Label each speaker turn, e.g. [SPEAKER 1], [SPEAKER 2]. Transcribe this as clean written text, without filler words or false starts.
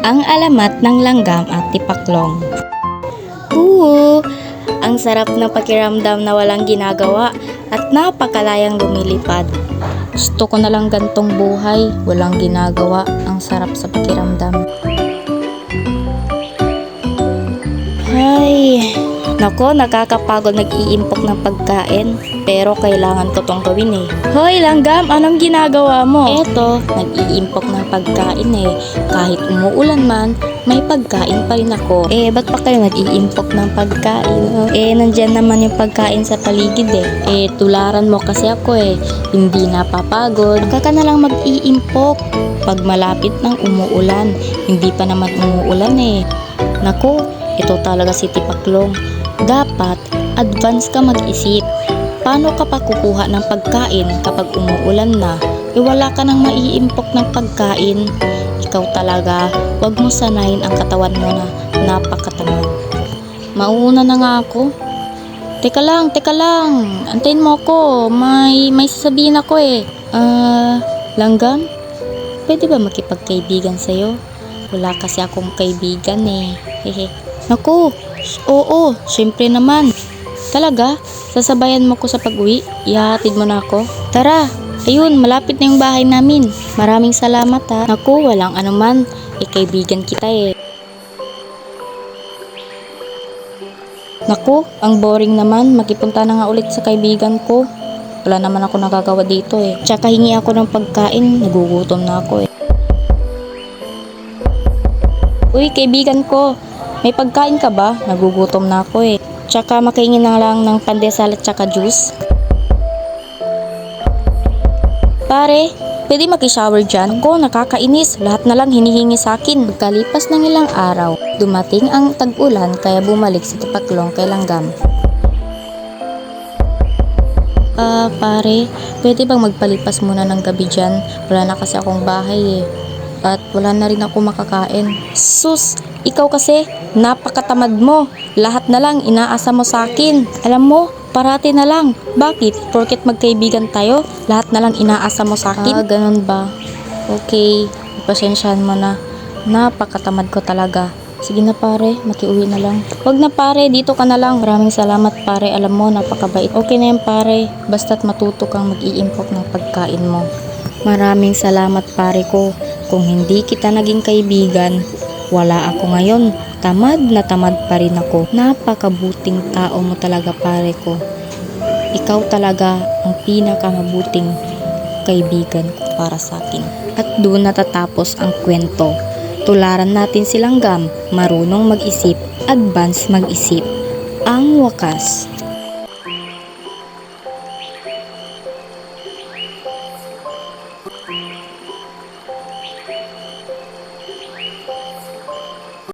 [SPEAKER 1] Ang alamat ng langgam at tipaklong. Ang sarap ng pakiramdam na walang ginagawa at napakalayang lumilipad. Gusto ko na lang gantong buhay, walang ginagawa, ang sarap sa pakiramdam. Ay, nako, nakakapagod nag-iimpok ng pagkain. Pero kailangan ko tong gawin eh. Hoy langgam, anong ginagawa mo? Eto, nag-iimpok ng pagkain eh. Kahit umuulan man, may pagkain pa rin ako. Ba't pa kayo nag-iimpok ng pagkain? Nandyan naman yung pagkain sa paligid eh. Tularan mo kasi ako eh. Hindi napapagod. Kaka na lang mag-iimpok. Pag malapit ng umuulan, hindi pa naman umuulan eh. Nako, ito talaga si Tipaklong. Dapat, advance ka mag-isip. Paano ka pa kukuha ng pagkain kapag umuulan na? Wala ka nang maiimpok ng pagkain. Ikaw talaga, wag mo sanayin ang katawan mo na napakatamad. Mauuna na nga ako. Teka lang. Antayin mo ako. May sasabihin ako eh. Langgam? Pwede ba makipagkaibigan sa'yo? Wala kasi akong kaibigan eh. Hehe. Naku, oo, syempre naman. Talaga? Sasabayan mo ko sa pag-uwi? Ihahatid mo na ako? Tara! Ayun, malapit na yung bahay namin. Maraming salamat ha. Naku, walang anuman. Kaibigan kita eh. Naku, ang boring naman. Makipunta na nga ulit sa kaibigan ko. Wala naman ako nagagawa dito eh. Tsaka hingi ako ng pagkain. Nagugutom na ako eh. Uy, kaibigan ko. May pagkain ka ba? Nagugutom na ako eh. Tsaka makaingin na lang ng pandesal at tsaka juice. Pare, pwede maki-shower dyan? Ko, nakakainis. Lahat na lang hinihingi sa akin. Pagkalipas ng ilang araw, dumating ang tag-ulan kaya bumalik si Tipaklong kay Langgam. Pare, pwede bang magpalipas muna ng gabi dyan? Wala na kasi akong bahay eh. At wala na rin ako makakain. Sus! Ikaw kasi, napakatamad mo. Lahat na lang inaasa mo sa akin. Alam mo, parati na lang. Bakit? Porket magkaibigan tayo, lahat na lang inaasa mo sa akin? Ganun ba? Okay, pasensyahan mo na. Napakatamad ko talaga. Sige na pare, makiuwi na lang. Wag na pare, dito ka na lang. Maraming salamat pare, alam mo, napakabait. Okay na yan pare, basta't matuto kang mag-iimpok ng pagkain mo. Maraming salamat pare ko. Kung hindi kita naging kaibigan, wala ako ngayon. Tamad na tamad pa rin ako. Napakabuting tao mo talaga pare ko. Ikaw talaga ang pinakamabuting kaibigan ko para sa akin. At doon natatapos ang kwento. Tularan natin si Langgam, marunong mag-isip, advance mag-isip. Ang wakas.